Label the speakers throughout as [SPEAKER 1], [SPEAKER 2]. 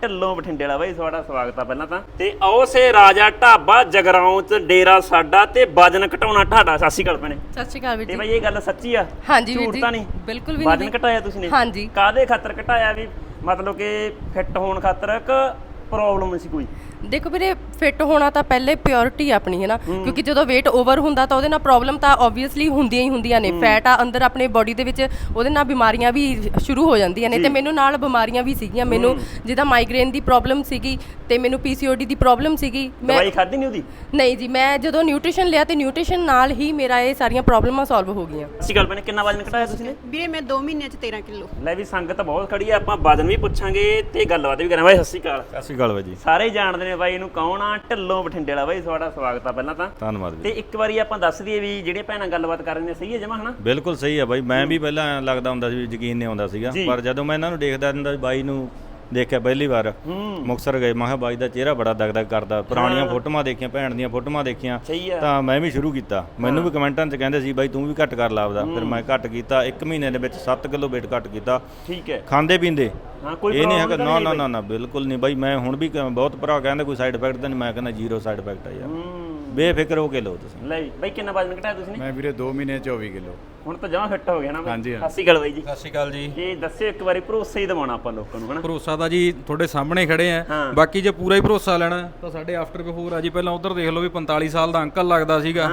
[SPEAKER 1] ਢਿੱਲੋਂ ਬਠਿੰਡੇ ਵਾਲਾ ਬਾਈ ਤੁਹਾਡਾ ਸਵਾਗਤ ਆ ਪਹਿਲਾਂ ਤਾਂ ਤੇ ਆਓ ਸੇ ਰਾਜਾ ਢਾਬਾ ਜਗਰਾਉਂ ਚ ਡੇਰਾ ਸਾਡਾ ਤੇ ਵਜਨ ਘਟਾਉਣਾ ਢਾਡਾ। ਸਤਿ ਸ਼੍ਰੀ ਅਕਾਲ ਭੈਣੇ।
[SPEAKER 2] ਸਤਿ ਸ਼੍ਰੀ ਅਕਾਲ ਵੀਰ ਜੀ।
[SPEAKER 1] ਤੇ ਬਾਈ ਇਹ ਗੱਲ ਸੱਚੀ ਆ?
[SPEAKER 2] ਹਾਂਜੀ ਵੀਰ
[SPEAKER 1] ਝੂਠ
[SPEAKER 2] ਜੀ,
[SPEAKER 1] ਤਾਂ ਨਹੀਂ?
[SPEAKER 2] ਬਿਲਕੁਲ ਵੀ
[SPEAKER 1] ਵਜਨ ਘਟਾਇਆ ਤੁਸੀਂ ਨੇ?
[SPEAKER 2] ਹਾਂਜੀ।
[SPEAKER 1] ਕਾਹਦੇ ਖਾਤਰ ਘਟਾਇਆ ਵੀ ਮਤਲਬ ਕਿ ਫਿੱਟ ਹੋਣ ਖਾਤਰ ਕਿ ਪ੍ਰੋਬਲਮ ਸੀ ਕੋਈ?
[SPEAKER 2] ਦੇਖੋ ਵੀਰੇ ਫਿੱਟ ਹੋਣਾ ਤਾਂ ਪਹਿਲੇ ਪਿਓਰਿਟੀ ਆਪਣੀ ਹੈ ਨਾ, ਕਿਉਂਕਿ ਜਦੋਂ weight ਓਵਰ ਹੁੰਦਾ ਤਾਂ ਉਹਦੇ ਨਾਲ ਪ੍ਰੋਬਲਮ ਤਾਂ ਆਬਵੀਅਸਲੀ ਹੁੰਦੀਆਂ ਹੀ ਹੁੰਦੀਆਂ ਨੇ। ਫੈਟ ਆ ਅੰਦਰ ਆਪਣੇ ਬੋਡੀ ਦੇ ਵਿੱਚ, ਉਹਦੇ ਨਾਲ ਬਿਮਾਰੀਆਂ ਵੀ ਸ਼ੁਰੂ ਹੋ ਜਾਂਦੀਆਂ ਨੇ ਤੇ ਮੈਨੂੰ ਨਾਲ ਬਿਮਾਰੀਆਂ ਵੀ ਸੀਗੀਆਂ। ਮੈਨੂੰ ਜਿੱਦਾਂ ਮਾਈਗ੍ਰੇਨ ਦੀ ਪ੍ਰੋਬਲਮ ਸੀਗੀ ਤੇ ਮੈਨੂੰ PCOD ਦੀ ਪ੍ਰੋਬਲਮ ਸੀਗੀ। ਮੈਂ
[SPEAKER 1] ਦਵਾਈ ਖਾਧੀ ਨਹੀਂ ਉਹਦੀ?
[SPEAKER 2] ਨਹੀਂ ਜੀ, ਮੈਂ ਜਦੋਂ ਨਿਊਟ੍ਰੀਸ਼ਨ ਲਿਆ ਤੇ ਨਿਊਟ੍ਰੀਸ਼ਨ ਨਾਲ ਹੀ ਮੇਰਾ ਇਹ ਸਾਰੀਆਂ ਪ੍ਰੋਬਲਮਾਂ ਸੋਲਵ ਹੋ ਗਈਆਂ।
[SPEAKER 1] ਸਤਿ ਸ਼੍ਰੀ ਅਕਾਲ ਭੈਣੇ। ਕਿੰਨਾ ਵਜਨ ਘਟਾਇਆ ਤੁਸੀਂ ਨੇ?
[SPEAKER 3] ਵੀਰੇ ਮੈਂ 2 ਮਹੀਨਿਆਂ ਚ 13 ਕਿਲੋ।
[SPEAKER 1] ਲੈ ਵੀ ਸੰਗਤ ਬਹੁਤ ਖੜੀ ਆ, ਆਪਾਂ ਵਜਨ ਵੀ ਪੁੱਛਾਂਗੇ ਤੇ ਗੱਲਬਾਤ ਵੀ ਕਰਾਂਗੇ। ਬਾਈ ਸਤਿ ਸ਼੍ਰੀ ਅਕਾਲ।
[SPEAKER 4] ਸਤਿ ਸ਼੍ਰੀ ਅਕਾਲ ਬਾਈ ਜੀ।
[SPEAKER 1] ਸਾਰੇ ਜਾਣਦੇ ਨੇ ਬਾਈ ਇਹਨੂੰ ਕੌਣ ਆ, ਢਿੱਲੋਂ ਬਠਿੰਡੇ ਵਾਲਾ। ਬਾਈ ਤੁਹਾਡਾ ਸਵਾਗਤ ਆ ਪਹਿਲਾਂ ਤਾਂ।
[SPEAKER 4] ਧੰਨਵਾਦ
[SPEAKER 1] ਤੇ
[SPEAKER 4] ਜੀ।
[SPEAKER 1] ਇੱਕ ਵਾਰੀ ਆਪਾਂ ਦੱਸ ਦਈਏ ਵੀ ਜਿਹੜੇ ਭੈਣਾਂ ਗੱਲਬਾਤ ਕਰ ਰਹੇ ਨੇ ਸਹੀ ਹੈ ਜਮਾ ਹਨਾ?
[SPEAKER 4] ਬਿਲਕੁਲ ਸਹੀ ਆ ਬਾਈ। ਮੈਂ ਵੀ ਪਹਿਲਾਂ ਐਂ ਲੱਗਦਾ ਹੁੰਦਾ ਸੀ ਵੀ ਯਕੀਨ ਨਹੀਂ ਆਉਂਦਾ ਸੀਗਾ, ਪਰ ਜਦੋਂ ਮੈਂ ਇਹਨਾਂ ਨੂੰ ਦੇਖਦਾ ਹੁੰਦਾ ਸੀ, ਬਾਈ ਨੂੰ ਦੇਖਿਆ ਪਹਿਲੀ ਵਾਰ ਮੁਕਤਸਰ ਗਏ, ਮੈਂ ਕਿਹਾ ਬਾਈ ਦਾ ਚਿਹਰਾ ਬੜਾ ਦਗਦਗ ਕਰਦਾ। ਪੁਰਾਣੀਆਂ ਫੋਟੋਆਂ ਦੇਖੀਆਂ, ਭੈਣ ਦੀਆਂ ਫੋਟੋਆਂ ਦੇਖੀਆਂ, ਤਾਂ ਮੈਂ ਵੀ ਸ਼ੁਰੂ ਕੀਤਾ। ਮੈਨੂੰ ਵੀ ਕਮੈਂਟਾਂ 'ਚ ਕਹਿੰਦੇ ਸੀ ਬਾਈ ਤੂੰ ਵੀ ਘੱਟ ਕਰ ਲਾਪਦਾ। ਫਿਰ ਮੈਂ ਘੱਟ ਕੀਤਾ, 1 ਮਹੀਨੇ ਦੇ ਵਿੱਚ 7 ਕਿਲੋ weight ਘੱਟ ਕੀਤਾ।
[SPEAKER 1] ਠੀਕ ਹੈ।
[SPEAKER 4] ਖਾਂਦੇ ਪੀਂਦੇ
[SPEAKER 1] ਇਹ
[SPEAKER 4] ਨਹੀਂ ਹੈਗਾ, ਨਾ ਬਿਲਕੁਲ ਨਹੀਂ ਬਾਈ। ਮੈਂ ਹੁਣ ਵੀ ਬਹੁਤ ਭਰਾ ਕਹਿੰਦੇ ਕੋਈ ਸਾਈਡ ਇਫੈਕਟ ਤਾਂ ਨਹੀਂ, ਮੈਂ ਕਹਿੰਦਾ 0 ਸਾਈਡ ਇਫੈਕਟ ਆ ਯਾਰ, ਬੇਫਿਕਰ ਹੋ ਕੇ ਲਓ ਤੁਸੀਂ।
[SPEAKER 1] ਲੈ ਬਾਈ ਕਿੰਨਾ ਵਜਨ ਘਟਾਇਆ ਤੁਸੀਂ ਨੇ?
[SPEAKER 4] ਮੈਂ ਵੀਰੇ 2 ਮਹੀਨੇ 24 ਕਿਲੋ।
[SPEAKER 1] ਹੁਣ ਤਾਂ ਜਮਾ ਫਿੱਟ ਹੋ ਗਿਆ ਨਾ ਬਾਈ?
[SPEAKER 4] ਹਾਂਜੀ।
[SPEAKER 1] ਸਤਿ ਸ਼੍ਰੀ ਅਕਾਲ ਬਾਈ ਜੀ।
[SPEAKER 5] ਸਤਿ ਸ਼੍ਰੀ ਅਕਾਲ ਜੀ।
[SPEAKER 1] ਇਹ ਦੱਸਿਓ ਇੱਕ ਵਾਰੀ, ਭਰੋਸਾ ਹੀ ਦਿਵਾਉਣਾ ਆਪਾਂ ਲੋਕਾਂ ਨੂੰ ਹਨਾ?
[SPEAKER 5] ਭਰੋਸਾ ਤਾਂ ਜੀ ਤੁਹਾਡੇ ਸਾਹਮਣੇ ਖੜੇ ਆ। ਬਾਕੀ ਜੇ ਪੂਰਾ ਹੀ ਭਰੋਸਾ ਲੈਣਾ ਤਾਂ ਸਾਡੇ ਆਫਟਰ ਬਿਫੋਰ ਆ ਜੀ। ਪਹਿਲਾਂ ਉਧਰ ਦੇਖ ਲਓ ਵੀ 45 ਸਾਲ ਦਾ ਅੰਕਲ ਲੱਗਦਾ ਸੀਗਾ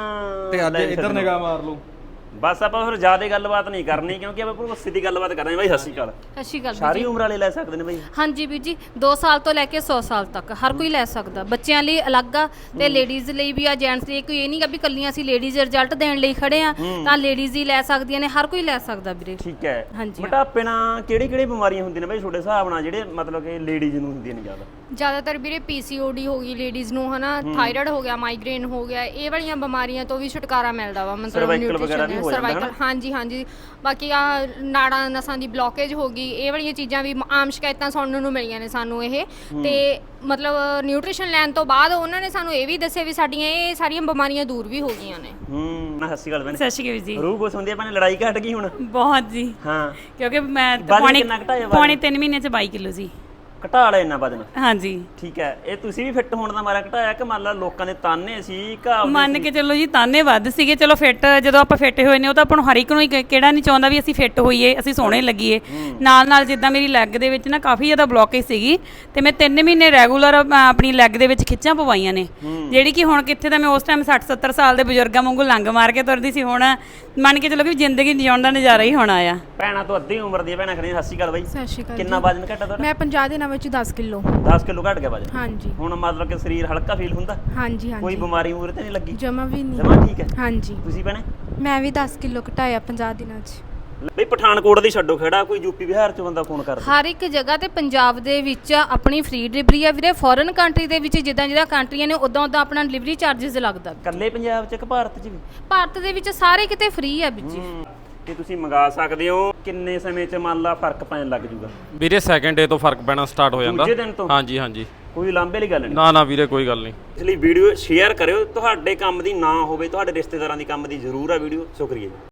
[SPEAKER 5] ਤੇ ਅੱਜ ਇੱਧਰ ਨਿਗਾਹ ਮਾਰ ਲਓ।
[SPEAKER 1] ਬਸ ਆਪਾਂ ਫਿਰ ਜ਼ਿਆਦਾ ਗੱਲਬਾਤ ਨਹੀਂ ਕਰਨੀ ਕਿਉਂਕਿ ਆਪਾਂ ਭਰੋਸੇ ਦੀ ਗੱਲਬਾਤ ਕਰਾਂਗੇ। ਬਾਈ ਸਤਿ ਸ਼੍ਰੀ ਅਕਾਲ।
[SPEAKER 6] ਸਤਿ ਸ਼੍ਰੀ ਅਕਾਲ
[SPEAKER 1] ਸਾਰੀ ਉਮਰ ਵਾਲੇ ਲੈ ਸਕਦੇ ਨੇ ਬਾਈ?
[SPEAKER 6] ਹਾਂਜੀ ਵੀਰ ਜੀ, 2 ਸਾਲ ਤੋਂ ਲੈ ਕੇ 100 ਸਾਲ ਤੱਕ ਹਰ ਕੋਈ ਲੈ ਸਕਦਾ। ਬੱਚਿਆਂ ਲਈ ਅਲੱਗ ਆ ਤੇ ਲੇਡੀਜ਼ ਲਈ ਵੀ ਆ, ਜੈਂਟਸ ਲਈ। ਕੋਈ ਇਹ ਨਹੀਂ ਗਾ ਵੀ ਕੱਲੀਆਂ ਅਸੀਂ ਲੇਡੀਜ਼ ਰਿਜ਼ਲਟ ਦੇਣ ਲਈ ਖੜੇ ਆ, ਤਾਂ ਲੇਡੀਜ਼ ਹੀ ਲੈ ਸਕਦੀਆਂ ਨੇ, ਹਰ ਕੋਈ ਲੈ ਸਕਦਾ ਵੀਰੇ।
[SPEAKER 1] ਠੀਕ ਹੈ।
[SPEAKER 6] ਹਾਂਜੀ।
[SPEAKER 1] ਮੋਟਾਪੇ ਨਾਲ ਕਿਹੜੀ ਬਿਮਾਰੀਆਂ ਹੁੰਦੀਆਂ ਨੇ ਬਾਈ ਤੁਹਾਡੇ ਹਿਸਾਬ ਨਾਲ, ਜਿਹੜੇ ਮਤਲਬ ਕਿ ਲੇਡੀਜ਼ ਨੂੰ ਹੁੰਦੀਆਂ ਨੇ ਜ਼ਿਆਦਾ?
[SPEAKER 6] ਜ਼ਿਆਦਾਤਰ ਵੀਰੇ PCOD ਹੋ ਗਈ ਲੇਡੀਜ਼ ਨੂੰ ਹਨਾ, ਥਾਇਰਾਇਡ ਹੋ ਗਿਆ, ਮਾਈਗ੍ਰੇਨ ਹੋ ਗਿਆ, ਇਹ ਵਾਲੀਆਂ ਬਿਮਾਰੀਆਂ ਤੋਂ ਵੀ ਛੁਟਕਾਰਾ ਮਿਲਦਾ ਵਾ। ਮਤਲਬ ਨਿਊਟ੍ਰੀਸ਼ਨ, ਸਰਵਾਈਕਲ, ਹਾਂਜੀ। ਬਾਕੀ ਆ ਨਾੜਾਂ ਨਸਾਂ ਦੀ ਬਲੌਕੇਜ ਹੋ ਗਈ, ਇਹ ਵਾਲੀਆਂ ਚੀਜ਼ਾਂ ਵੀ ਆਮ ਸ਼ਿਕਾਇਤਾਂ ਸੁਣਨ ਨੂੰ ਮਿਲੀਆਂ ਨੇ ਸਾਨੂੰ ਇਹ। ਤੇ ਮਤਲਬ ਨਿਊਟ੍ਰੀਸ਼ਨ ਲੈਣ ਤੋਂ ਬਾਅਦ ਉਹਨਾਂ ਨੇ ਸਾਨੂੰ ਇਹ ਵੀ ਦੱਸਿਆ ਵੀ ਸਾਡੀਆਂ ਇਹ ਸਾਰੀਆਂ ਬਿਮਾਰੀਆਂ ਦੂਰ ਵੀ ਹੋ ਗਈਆਂ ਨੇ।
[SPEAKER 1] ਸਤਿ ਸ਼੍ਰੀ ਅਕਾਲ ਭੈਣੇ।
[SPEAKER 7] ਸਤਿ ਸ਼੍ਰੀ ਅਕਾਲ ਜੀ।
[SPEAKER 1] ਰੂਹ ਕੁਛ ਹੁੰਦੀ ਹੈ ਭੈਣੇ, ਲੜਾਈ ਘਟ ਗਈ ਹੁਣ?
[SPEAKER 7] ਬਹੁਤ ਜੀ।
[SPEAKER 1] ਹਾਂ,
[SPEAKER 7] ਕਿਉਂਕਿ ਮੈਂ
[SPEAKER 1] ਪੌਣੇ
[SPEAKER 7] 3 ਮਹੀਨੇ ਚ 22 ਕਿਲੋ ਸੀ।
[SPEAKER 1] ਘਟਾ ਲਿਆ ਇੰਨਾ ਵਜਨ?
[SPEAKER 7] ਹਾਂਜੀ।
[SPEAKER 1] ਠੀਕ ਹੈ। ਇਹ ਤੁਸੀਂ ਵੀ ਫਿੱਟ ਹੋਣ ਦਾ ਮਾਰਾ ਘਟਾਇਆ ਕਿ ਮੰਨ ਲਾ ਲੋਕਾਂ ਦੇ ਤਾਨੇ ਸੀ?
[SPEAKER 7] ਮੰਨ ਕੇ ਚੱਲੋ ਜੀ ਤਾਨੇ ਵੱਧ ਸੀਗੇ। ਚਲੋ ਫਿੱਟ ਜਦੋਂ ਆਪਾਂ ਫਿੱਟ ਹੋਏ ਨੇ, ਉਹ ਤਾਂ ਆਪਾਂ ਨੂੰ ਹਰ ਇੱਕ ਨੂੰ ਹੀ ਕਿਹੜਾ ਨਹੀਂ ਚਾਹੁੰਦਾ ਵੀ ਅਸੀਂ ਫਿੱਟ ਹੋਈਏ, ਅਸੀਂ ਸੋਹਣੇ ਲੱਗੀਏ। ਨਾਲ ਜਿੱਦਾਂ ਮੇਰੀ ਲੈਗ ਦੇ ਵਿੱਚ ਨਾ ਕਾਫੀ ਜ਼ਿਆਦਾ ਬਲੌਕੇਜ ਸੀਗੀ ਤੇ ਮੈਂ 3 ਮਹੀਨੇ ਰੈਗੂਲਰ ਆਪਣੀ ਲੈਗ ਦੇ ਵਿੱਚ ਖਿੱਚਾਂ ਪਵਾਈਆਂ ਨੇ, ਜਿਹੜੀ ਕਿ ਹੁਣ ਕਿੱਥੇ ਤਾਂ ਮੈਂ ਉਸ ਟਾਈਮ 60-70 ਸਾਲ ਦੇ ਬਜ਼ੁਰਗਾਂ ਵਾਂਗੂ ਲੰਗ ਮਾਰ ਕੇ ਤੁਰਦੀ ਸੀ। ਹੁਣ ਮੰਨ ਕੇ ਚੱਲੋ ਕਿ ਜ਼ਿੰਦਗੀ ਜਿਉਣ ਦਾ ਨਜ਼ਾਰਾ ਹੀ ਹੋਣਾ ਆ।
[SPEAKER 1] ਭੈਣਾਂ ਤੋਂ ਅੱਧੀ ਉਮਰ ਦੀ ਭੈਣਾਂ ਖੜੀਆਂ। ਸਤਿ ਸ਼੍ਰੀ ਅਕਾਲ ਬਾਈ।
[SPEAKER 8] ਸਤਿ ਸ਼੍ਰੀ ਅਕਾਲ।
[SPEAKER 1] ਕਿੰਨਾ ਵਜਨ ਘਟਾ ਤੁਹਾਡਾ?
[SPEAKER 8] ਮੈਂ 50 ਦਿਨਾਂ ਵਿੱਚ 10 ਕਿਲੋ।
[SPEAKER 1] 10 ਕਿਲੋ ਘਟ ਗਿਆ ਵਜਨ?
[SPEAKER 8] ਹਾਂਜੀ।
[SPEAKER 1] ਹੁਣ ਮਤਲਬ ਕਿ ਸਰੀਰ ਹਲਕਾ ਫੀਲ ਹੁੰਦਾ?
[SPEAKER 8] ਹਾਂਜੀ।
[SPEAKER 1] ਕੋਈ ਬਿਮਾਰੀ ਮੂਰੇ ਤੇ ਨਹੀਂ ਲੱਗੀ?
[SPEAKER 8] ਜਮਾ ਵੀ ਨਹੀਂ।
[SPEAKER 1] ਜਮਾ ਠੀਕ ਹੈ।
[SPEAKER 8] ਹਾਂਜੀ।
[SPEAKER 1] ਤੁਸੀਂ ਭੈਣੇ?
[SPEAKER 8] ਮੈਂ ਵੀ 10 ਕਿਲੋ ਘਟਾਇਆ 50 ਦਿਨਾਂ 'ਚ।
[SPEAKER 1] ਬਈ ਪਠਾਨਕੋਟ ਦੀ ਛੱਡੋ ਖੜਾ, ਕੋਈ ਯੂਪੀ ਬਿਹਾਰ ਚ ਬੰਦਾ ਫੋਨ ਕਰਦਾ?
[SPEAKER 6] ਹਰ ਇੱਕ ਜਗ੍ਹਾ ਤੇ ਪੰਜਾਬ ਦੇ ਵਿੱਚ ਆਪਣੀ ਫ੍ਰੀ ਡਿਲੀਵਰੀ ਆ ਵੀਰੇ। ਫੋਰਨ ਕੰਟਰੀ ਦੇ ਵਿੱਚ ਜਿੱਦਾਂ ਕੰਟਰੀਆਂ ਨੇ ਉਦਾਂ ਆਪਣਾ ਡਿਲੀਵਰੀ ਚਾਰजेस ਲੱਗਦਾ।
[SPEAKER 1] ਇਕੱਲੇ ਪੰਜਾਬ ਚ ਕਿ ਭਾਰਤ ਚ ਵੀ?
[SPEAKER 6] ਭਾਰਤ ਦੇ ਵਿੱਚ ਸਾਰੇ ਕਿਤੇ ਫ੍ਰੀ ਆ ਵੀਰ ਜੀ।
[SPEAKER 1] ਤੇ ਤੁਸੀਂ ਮੰਗਾ ਸਕਦੇ ਹੋ। ਕਿੰਨੇ ਸਮੇਂ ਚ ਮੰਨ ਲਾ ਫਰਕ ਪੈਣ ਲੱਗ ਜੂਗਾ?
[SPEAKER 5] ਵੀਰੇ ਸੈਕੰਡ ਡੇ ਤੋਂ ਫਰਕ ਪੈਣਾ ਸਟਾਰਟ ਹੋ ਜਾਂਦਾ।
[SPEAKER 1] ਦੂਜੇ ਦਿਨ ਤੋਂ?
[SPEAKER 5] ਹਾਂਜੀ।
[SPEAKER 1] ਕੋਈ ਲਾਂਭੇ ਵਾਲੀ ਗੱਲ ਨਹੀਂ?
[SPEAKER 5] ਨਾ ਵੀਰੇ ਕੋਈ ਗੱਲ ਨਹੀਂ।
[SPEAKER 1] ਇਸ ਲਈ ਵੀਡੀਓ ਸ਼ੇਅਰ ਕਰਿਓ। ਤੁਹਾਡੇ ਕੰਮ ਦੀ ਨਾ ਹੋਵੇ, ਤੁਹਾਡੇ ਰਿਸ਼ਤੇਦਾਰਾਂ ਦੀ ਕੰਮ ਦੀ ਜ਼ਰੂਰ ਆ ਵੀਡੀਓ। ਸ਼ੁਕਰੀਆ ਜੀ।